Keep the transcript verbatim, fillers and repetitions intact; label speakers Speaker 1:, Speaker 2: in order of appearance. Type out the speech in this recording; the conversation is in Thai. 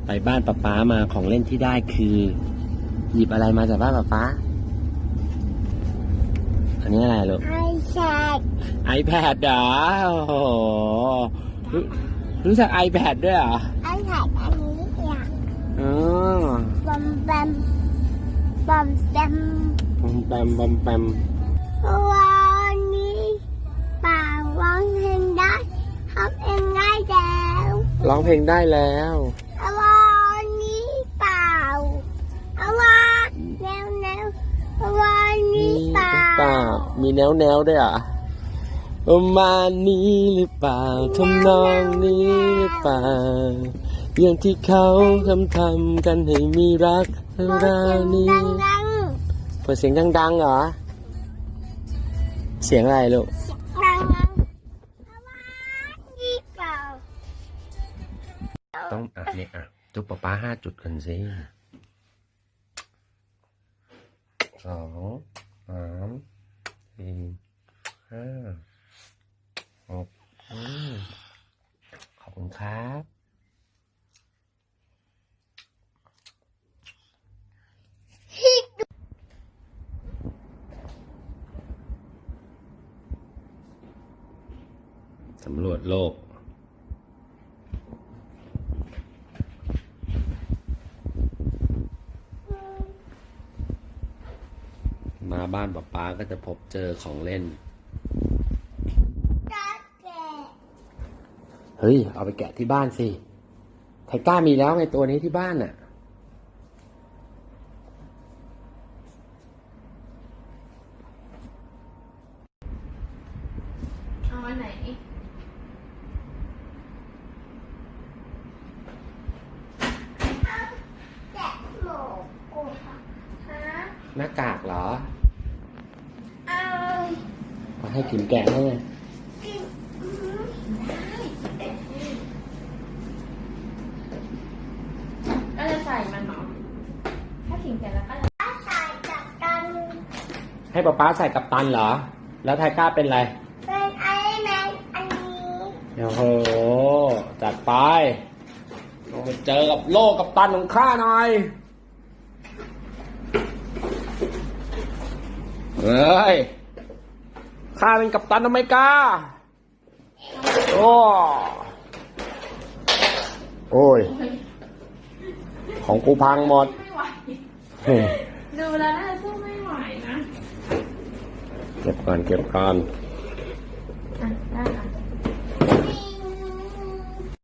Speaker 1: ไปบ้านป๊าป๊ามาของเล่นที่ได้คือ หยิบอะไรมาจากบ้านป๊าป๊าอันนี้อะไรลูก
Speaker 2: ไอแพด
Speaker 1: ไอแพดเหรอโอ้โหรู้รู้จัก iPad ด้วยเหรอ
Speaker 2: ไอแพดอันนี้อย่าง
Speaker 1: อ๋อบ
Speaker 2: อมแบมบอมแบม
Speaker 1: บอมแปมบอมแปม
Speaker 2: วันนี้ป่าร้องเพลงได้ทำเองได้แล้ว
Speaker 1: ร้องเพลงได้แล้ว
Speaker 2: วันนี้เปล่าวันแนวแนววันนี้เปล่า
Speaker 1: เปล่ามีแนวแนวด้วยเหรอ่ะประมาณนี้หรือเปล่าทำนองนี้หรือเปล่าอย่างที่เขาทำทำกันให้มีรักราวนี้
Speaker 2: ดัง
Speaker 1: เปิดเสียงดังๆเหรอเสียงอะไรลูก
Speaker 2: ๆดังๆวันนี้เปล่า
Speaker 1: ต้องอ่ะเนี่ยอ่ะจุ๊บป๊าป๊าห้าจุดกันสิสองสามสี่ห้าหกอืมขอบคุณครับสำรวจโลกมาบ้านป๊าป๊าก็จะพบเจอของเล่น เฮ้ย เอาไปแกะที่บ้านสิไทก้ามีแล้วไงตัวนี้ที่บ้านน่ะ
Speaker 3: เอาอันไหน
Speaker 2: แกะหมูกูค่ะฮะ
Speaker 1: หน้ากากเหรอ
Speaker 2: เอา
Speaker 1: เอาให้กินแกะให้ไง
Speaker 2: กิน
Speaker 3: ก็จะใส่มันเนาะถ้าถิงเสร็จแล้วก็จะ
Speaker 2: อาใส่กับกัน
Speaker 1: ให้ป๊าป๊าใส่กับตันเหรอ แล้วไทก้าเป็นอะไร
Speaker 2: เป็นไอแมนอันนี้
Speaker 1: โอ้โห จัดไปลงไปเจอกับโลกกับตันของข้าหน่อย เฮ้ย ข้าเป็นกัปตันอเมริกา โอ้ โอ้ย ของกูพังหมด
Speaker 3: ไม่ไหว
Speaker 1: เฮ้ย
Speaker 3: ดูแล้วน่าจะสู้ไม่ไหวนะ
Speaker 1: เก็บก่อนเก็บก่อน
Speaker 3: เ